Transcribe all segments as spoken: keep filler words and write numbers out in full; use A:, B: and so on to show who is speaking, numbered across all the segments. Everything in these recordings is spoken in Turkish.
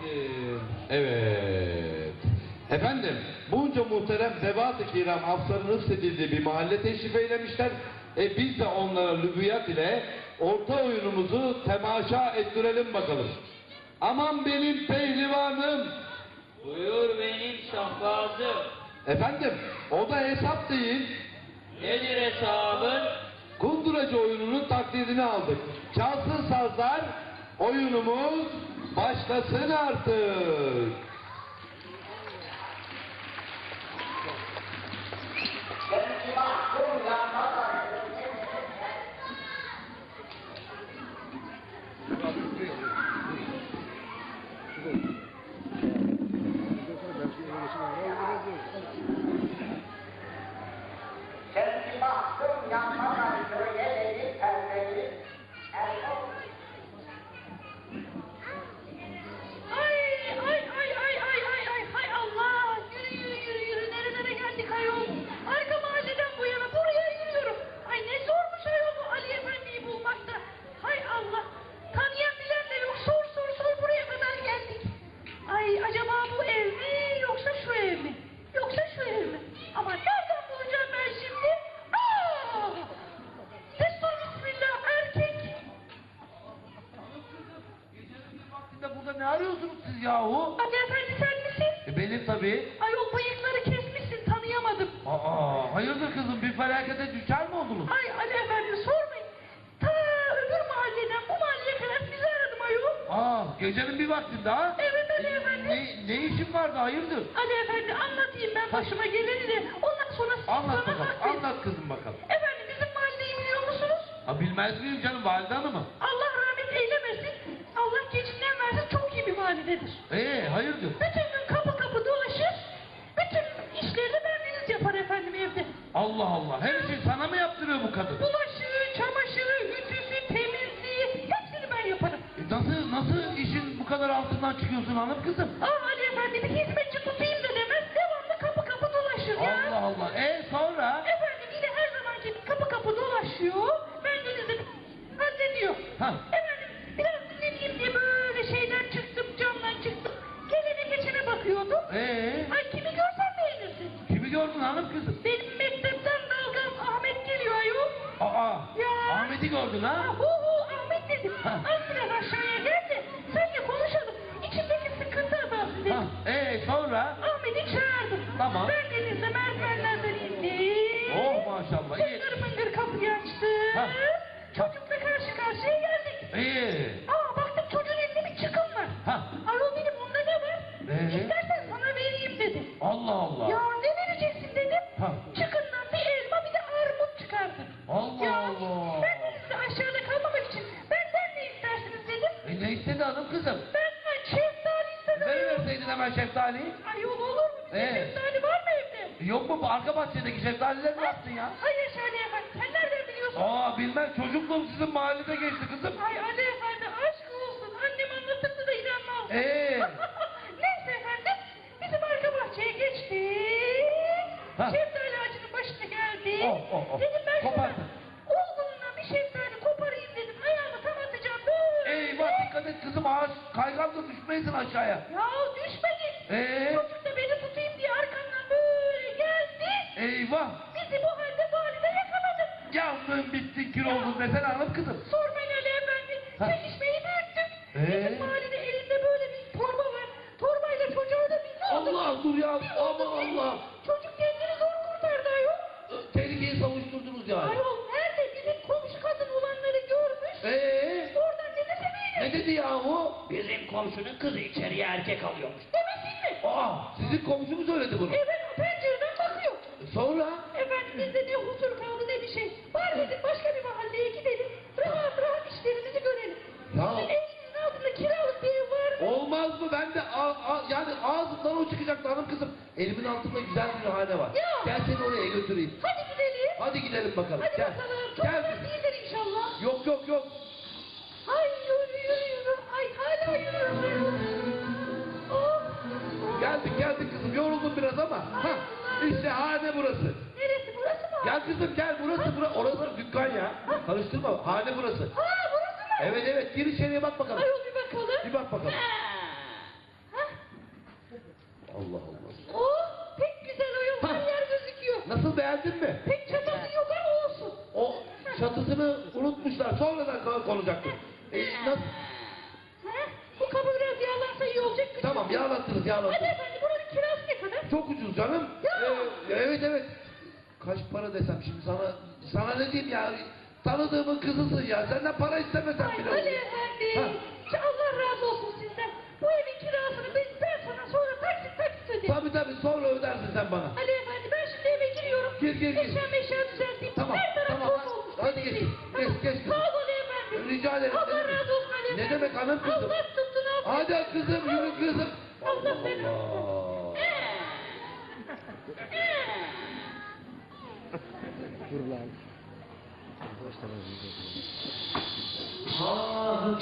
A: efendim. Evet. Efendim, bunca muhterem zevat-ı kiram aflarının hissedildiği bir mahalle teşrif eylemişler. E biz de onlara lübiyat ile orta oyunumuzu temaşa ettirelim bakalım. Aman benim pehlivanım.
B: Buyur benim şahbazım.
A: Efendim, o da hesap değil.
B: Nedir hesabın?
A: Kunduracı oyununun taklidini aldık. Çalsın sazlar, oyunumuz başlasın artık.
C: Kendi baktım yanmadan şöyle dedi perdeli.
D: Ay ay ay ay ay ay ay hay Allah, yürü yürü yürü yürü, nerelere geldik ayol. Arka mahalleden bu yana buraya yürüyorum. Ay ne zormuş ayol bu Ali Efendi'yi bulmakta. Hay Allah, tanıyan bilen de yok, sor sor sor, buraya kadar geldik. Ay acaba bu ev mi yoksa şu ev mi? Yoksa şu ev mi? Ama nereden bulacağım ben şimdi? Aa! Destur bismillah, erkek.
A: Vaktinde burada ne arıyorsunuz siz yahu?
D: Ali Efendi sen misin?
A: E benim tabii.
D: Ayol bıyıkları kesmişsin, tanıyamadım.
A: Aa, hayırdır kızım, bir felakete düşer mi oldunuz?
D: Ay Ali Efendi sormayın. Ta öbür mahalleden bu mahalleye kadar sizi aradım ayol.
A: Aa, gecenin bir vaktinde ha?
D: Evet Ali Efendi.
A: Ne, ne işin vardı, hayırdır?
D: Ali Efendi anlatayım ben başıma geleni de ondan sonra siz
A: Anlat
D: bana
A: bakalım,
D: hak verin.
A: anlat kızım bakalım.
D: Efendim bizim mahalleyi biliyor musunuz?
A: Ha, bilmez miyim canım, valide hanımı?
D: Allah rahmet eylemesin. Allah gecinden versin, çok iyi bir mahallededir.
A: Ee, hayırdır?
D: Bütün gün kapı kapı dolaşır. Bütün işleri de bendeniz yapar efendim evde.
A: Allah Allah, her şeyi sana mı yaptırıyor bu kadın?
D: Bulaşığı, çamaşırı, ütüsü, temizliği hepsini ben yaparım.
A: E, nasıl, nasıl işin bu kadar altından çıkıyorsun hanım kızım?
D: Ah Ali Efendi bir hizmetçi tutayım da demez, devamlı kapı kapı dolaşır ya.
A: Allah Allah, e sonra?
D: Efendim yine her zamanki gibi kapı kapı dolaşıyor, bendenizi hallediyor.
A: Ha.
D: Efendim biraz dinleneyim diye böyle şeyden çıktım, camdan çıktım. Gelene geçene bakıyordum.
A: Ee,
D: Ay kimi görsen beğenirsin.
A: kimi gördün hanım kızım?
D: Benim mektepten dalgam Ahmet geliyor ayol.
A: Aa,
D: Ya.
A: Ahmet'i gördün ha?
D: Hu hu Ahmet dedim.
A: Ha.
D: Az biraz aşağıya gel de seninle konuşalım. İçimdeki sıkıntı azalsın dedim.
A: Ha, ee, sonra?
D: Ahmet'i çağırdım.
A: Tamam.
D: Ben denizde merdivenlerden indim.
A: Oh maşallah, iyi.
D: Mıngır mıngır kapıyı açtı.
A: Ha.
D: Çocukla karşı karşıya geldik.
A: İyi.
D: Aa baktım çocuğun elinde bir çıkım var.
A: Ha.
D: Ayol dedim onda ne var?
A: Ee?
D: İstersen sana vereyim dedi.
A: Allah Allah.
D: Ya ne vereceksin dedim.
A: Ha.
D: Çıkından bir elma bir de armut çıkardı.
A: Allah
D: ya,
A: Allah.
D: Ben denizde aşağıda kalmamak için benden ne istersiniz dedim.
A: E ne istedi hanım kızım?
D: Benden şeftali istedim.
A: Veriverseydin hemen şeftaliyi.
D: Ayol olur mu? Bizde
A: Ee?
D: şeftali var mı evde?
A: Yok mu bu arka bahçedeki şeftalileri ne yaptın ya?
D: Hayır Şadi Efendi sen nereden biliyorsun?
A: Aa bilmem, çocukluğum sizin mahallede geçti kızım.
D: Ay Ali Efendi aşk olsun. Annem anlatırdı da inanmam.
A: Ee?
D: Neyse efendim bizim arka bahçeye geçtik.
A: Ha.
D: Şeftali ağacının başına geldik.
A: Oh, oh, oh.
D: Dedim ben şuradan
A: Kopardın.
D: olgunluğundan bir şeftali koparayım dedim. Ayağımı tam atacağım böyle.
A: Eyvah, dikkat et kızım, ağaç kayganla düşmeyesin aşağıya.
D: Ya düşmedi.
A: Ee?
D: Çocuk da beni tutayım diye arkamdan böyle geldi.
A: Eyvah.
D: Bizi bu halde valide yakaladı.
A: Yandın bittin kül oldun desene hanım kızım.
D: Sormayın Ali Efendi.
A: Ha.
D: Çekişmeyi büyüttük.
A: Ee?
D: Bizim valide elinde böyle bir torba var. Torbayla çocuğa da bir oldu.
A: Allah dur ya,
D: Bir oldu,
A: aman
D: bir-
A: Allah.
D: Çocuk kendini zor kurtardı ayol.
A: Tehlikeyi savuşturdunuz yani.
D: Ayol nerede? Bizim komşu kadın olanları görmüş.
A: Ee?
D: Oradan ne dese beğenir.
A: Ne dedi yahu?
B: Bizim komşunun kızı içeriye erkek alıyormuş.
D: Demesin mi?
A: Aa, sizin komşu mu söyledi bunu?
D: Evet o pencereden bakıyor.
A: Sonra?
D: Efendim bizde ne huzur kaldı ne bir şey. Var dedik başka bir mahalleye gidelim. Rahat rahat işlerimizi görelim.
A: Ya.
D: Sizin evinizin altında kiralık bir ev var mı?
A: Olmaz mı? Ben de a- a- yani ağzımdan o çıkacaktı hanım kızım. Elimin altında güzel bir hane var.
D: Ya.
A: Gel seni oraya götüreyim.
D: Hadi gidelim.
A: Hadi gidelim bakalım.
D: Hadi
A: Gel.
D: bakalım. Çok
A: Gel.
D: uzak değildir inşallah.
A: Yok yok yok.
D: Ay yürü yürü yürü. Ay hala yürüyorum. Oh.
A: Geldik geldik kızım. Yoruldum biraz ama. Ha, işte hane burası.
D: Neresi burası mı?
A: Gel kızım gel, burası burası. Orası dükkan ya. Karıştırma. Hane burası.
D: Ha burası mı?
A: Evet evet, gir içeriye bak bakalım.
D: Ayol bir bakalım.
A: Bir bak bakalım.
D: Ha.
A: beğendin mi?
D: Pek çatısı yok ama olsun.
A: O çatısını unutmuşlar. Sonradan ko- konacaktı. E, nasıl?
D: Ha? Bu kapı biraz yağlansa iyi olacak.
A: Tamam yağlattınız yağlattınız.
D: Hadi efendim buranın kirası ne kadar?
A: Çok ucuz canım.
D: Ya.
A: Ee, evet evet. Kaç para desem şimdi sana sana ne diyeyim ya? Tanıdığımın kızısın ya. Senden para istemesem
D: Ay
A: bile
D: Ali
A: olur.
D: efendi. Ya Allah razı olsun sizden. Bu evin kirasını ben, ben sana sonra taksit taksit öderim.
A: Tabii tabii sonra ödersin sen bana.
D: Ali efendi ben şimdi eve giriyorum.
A: Gir, gir, gir.
D: Eşya meşya düzelteyim.
A: Tamam,
D: Her taraf
A: tamam.
D: toz olmuş.
A: Hadi geç,
D: Tamam.
A: geç, geç kızım.
D: Sağ ol Ali efendi.
A: Rica ederim.
D: Allah
A: Ne demek?
D: razı olsun Ali
A: Ne
D: efendi.
A: demek hanım kızım?
D: Allah tuttu ne yapayım?
A: Hadi kızım yürü kızım.
D: Allah beni.
A: Allah.
B: Ah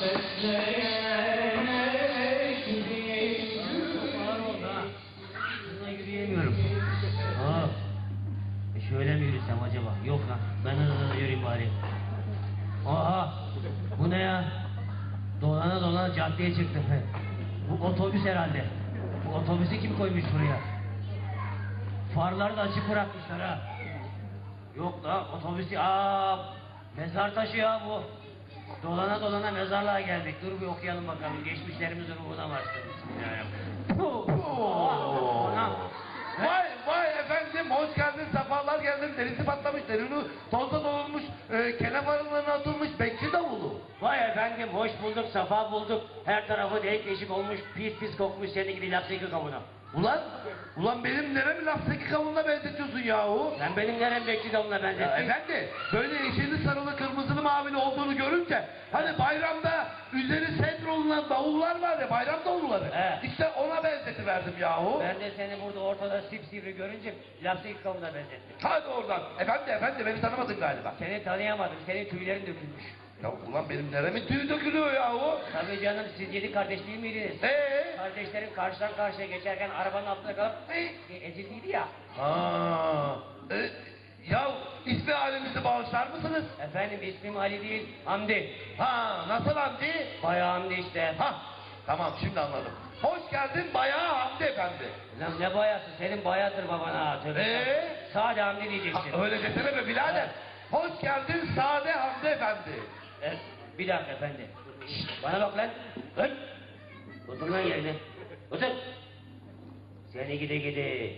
B: bekleyene gidiyorum. Bununla yürüyemiyorum. Aa, e şöyle mi yürüsem acaba? Yok lan, ben hızlı hızlı yürüyeyim bari. Aha, bu ne ya? Dolana dolana caddeye çıktım. He. Bu otobüs herhalde. Bu otobüsü kim koymuş buraya? Farları da açık bırakmışlar ha. Yok da otobüsü, aa, mezar taşı ya bu. Dolana dolana mezarlığa geldik. Dur bir okuyalım bakalım. Geçmişlerimizin ruhuna başladık. Bismillahirrahmanirrahim. Anam.
A: Vay vay efendim hoş geldin sefalar geldin derisi patlamış derini tozda dolunmuş e, kelef arılarına atılmış bekçi davulu.
B: Vay efendim hoş bulduk, safa bulduk. Her tarafı delik deşik olmuş, pis pis kokmuş seni gibi lapseki kavuna.
A: Ulan ulan benim neremi lafzaki kavununa benzetiyorsun yahu?
B: Sen benim nerem bekçi kavuna
A: Ya
B: benzettin?
A: efendi böyle yeşilli sarılı kırmızılı mavili olduğunu görünce hani bayramda üzeri set olunan davullar var ya bayram davulları.
B: He.
A: İşte ona benzetiverdim yahu.
B: Ben de seni burada ortada sipsivri görünce lapseki kavuna benzettim.
A: Hadi oradan. Efendi efendi beni tanımadın galiba.
B: Seni tanıyamadım, senin tüylerin dökülmüş.
A: Ya ulan benim neremin tüyü dökülüyor yahu.
B: Tabii canım, siz yedi kardeş değil miydiniz?
A: Eee?
B: Kardeşlerin karşıdan karşıya geçerken arabanın altında kalıp e, ezildiydi ya.
A: Ha. E, ya ismi halimizi bağışlar mısınız?
B: Efendim ismim Ali değil, Hamdi.
A: Ha nasıl Hamdi?
B: Bayağı Hamdi işte.
A: Ha tamam şimdi anladım. Hoş geldin bayağı Hamdi efendi.
B: Lan ne bayası, senin bayadır babana ha. Tövbe
A: Ee?
B: estağfurullah. Sade Hamdi
A: Ha,
B: diyeceksin.
A: öyle desene be birader. Hoş geldin Sade Hamdi efendi.
B: E, bir dakika efendi. Şşt, bana bak lan. Lan. Otur lan yerine. Otur. Seni gide gide.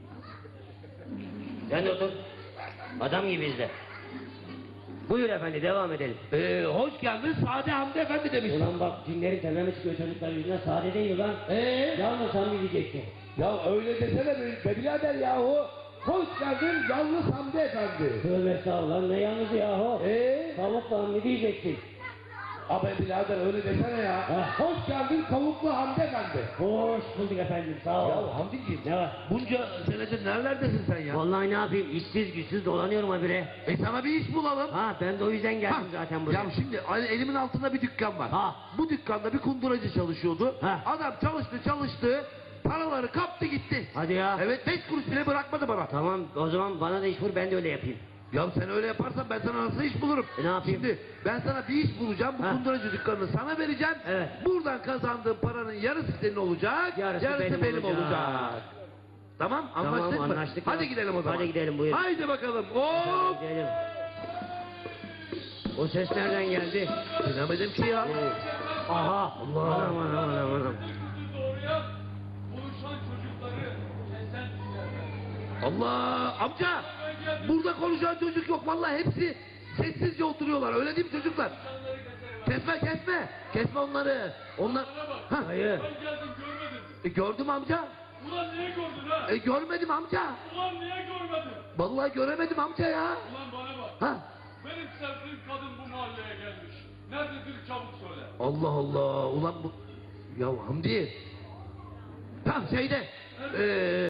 B: Sen de otur. Adam gibi izle. Buyur efendi, devam edelim.
A: Ee, hoş geldin Sade Hamdi efendi demiş.
B: Ulan bak cinlerin tepeme çıkıyor çocuklar yüzüne, sade değil lan.
A: Ee?
B: Yalnız Hamdi diyeceksin.
A: Ya öyle desene be, be birader yahu. Hoş geldin yalnız Hamdi efendi.
B: Tövbe estağfurullah, ne yalnız yahu.
A: Ee?
B: Tavukla Hamdi diyeceksin.
A: Abi birader öyle desene ya.
B: Ha.
A: Hoş geldin kavuklu Hamdi efendi.
B: Hoş bulduk efendim, sağ ol.
A: Ya Hamdi'ciğim
B: Ne var?
A: bunca senedir nerelerdesin sen ya?
B: Vallahi ne yapayım, işsiz güçsüz dolanıyorum habire.
A: E sana bir iş bulalım.
B: Ha, ben de o yüzden geldim
A: Ha,
B: zaten buraya.
A: Ya şimdi hani elimin altında bir dükkan var.
B: Ha.
A: Bu dükkanda bir kunduracı çalışıyordu.
B: Ha.
A: Adam çalıştı çalıştı. Paraları kaptı gitti.
B: Hadi ya.
A: Evet beş kuruş bile bırakmadı bana.
B: Tamam, o zaman bana da iş vur, ben de öyle yapayım.
A: Ya sen öyle yaparsan ben sana nasıl iş bulurum?
B: E, ne yapayım?
A: Şimdi ben sana bir iş bulacağım. Bu
B: Ha.
A: kunduracı dükkanını sana vereceğim.
B: Evet.
A: Buradan kazandığın paranın yarısı senin olacak.
B: Yarısı benim
A: benim olacak.
B: olacak.
A: Tamam
B: Tamam,
A: anlaştık mı?
B: anlaştık
A: Hadi
B: ya.
A: gidelim o zaman.
B: Hadi gidelim, buyurun.
A: Haydi bakalım. Hop.
B: Hadi gidelim. O ses nereden geldi?
A: Bilemedim ki ya.
B: Aha.
A: Allah.
B: Anam anam anam anam.
E: Doğruya konuşan çocukları kesen
A: Allah amca burada konuşan çocuk yok vallahi hepsi sessizce oturuyorlar öyle değil mi çocuklar? Kesme kesme kesme onları onlar ha,
B: Hayır.
E: Ben geldim görmedin mi?
A: e, gördüm amca
E: Ulan niye gördün ha?
A: e, görmedim amca
E: Ulan niye görmedin?
A: vallahi göremedim amca ya
E: Ulan bana bak.
A: ha
E: Benim sevdiğim kadın bu mahalleye gelmiş. Nerededir çabuk söyle.
A: Allah Allah ulan bu ya Hamdi tam şeyde e,